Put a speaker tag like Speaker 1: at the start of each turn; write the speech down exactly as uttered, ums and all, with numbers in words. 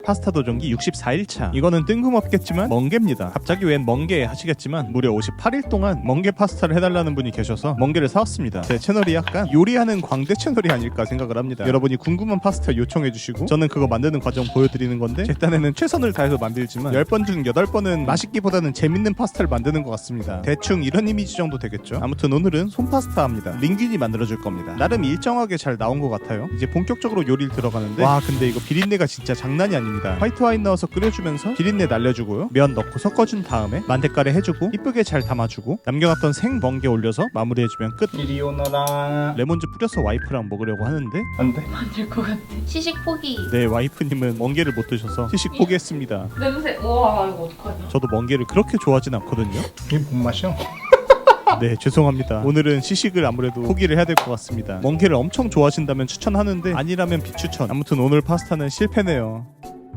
Speaker 1: 파스타 도전기 육십사 일차. 이거는 뜬금없겠지만 멍게입니다. 갑자기 웬 멍게 하시겠지만 무려 오십팔 일 동안 멍게 파스타를 해달라는 분이 계셔서 멍게를 사왔습니다. 제 채널이 약간 요리하는 광대 채널이 아닐까 생각을 합니다. 여러분이 궁금한 파스타 요청해주시고 저는 그거 만드는 과정 보여드리는 건데 제 딴에는 최선을 다해서 만들지만 열 번 중 여덟 번은 맛있기보다는 재밌는 파스타를 만드는 것 같습니다. 대충 이런 이미지 정도 되겠죠. 아무튼 오늘은 손파스타 합니다. 링균이 만들어줄 겁니다. 나름 일정하게 잘 나온 것 같아요. 이제 본격적으로 요리를 들어가는데 와 근데 이거 비린내가 진짜 장난이 아닙니다. 화이트 와인 넣어서 끓여주면서 비린내 날려주고요. 면 넣고 섞어준 다음에 만대가래 해주고 이쁘게 잘 담아주고 남겨놨던 생 멍게 올려서 마무리해주면 끝.
Speaker 2: 이리 오너라.
Speaker 1: 레몬즙 뿌려서 와이프랑 먹으려고 하는데
Speaker 2: 안돼.
Speaker 3: 만들 것 같아. 시식 포기.
Speaker 1: 네 와이프님은 멍게를 못 드셔서 시식 포기했습니다.
Speaker 3: 냄새. 와 이거 어떡하냐.
Speaker 1: 저도 멍게를 그렇게 좋아하진 않거든요.
Speaker 2: 이게 뭔 맛이야?
Speaker 1: 네 죄송합니다. 오늘은 시식을 아무래도 포기를 해야 될 것 같습니다. 멍게를 엄청 좋아하신다면 추천하는데 아니라면 비추천. 아무튼 오늘 파스타는 실패네요.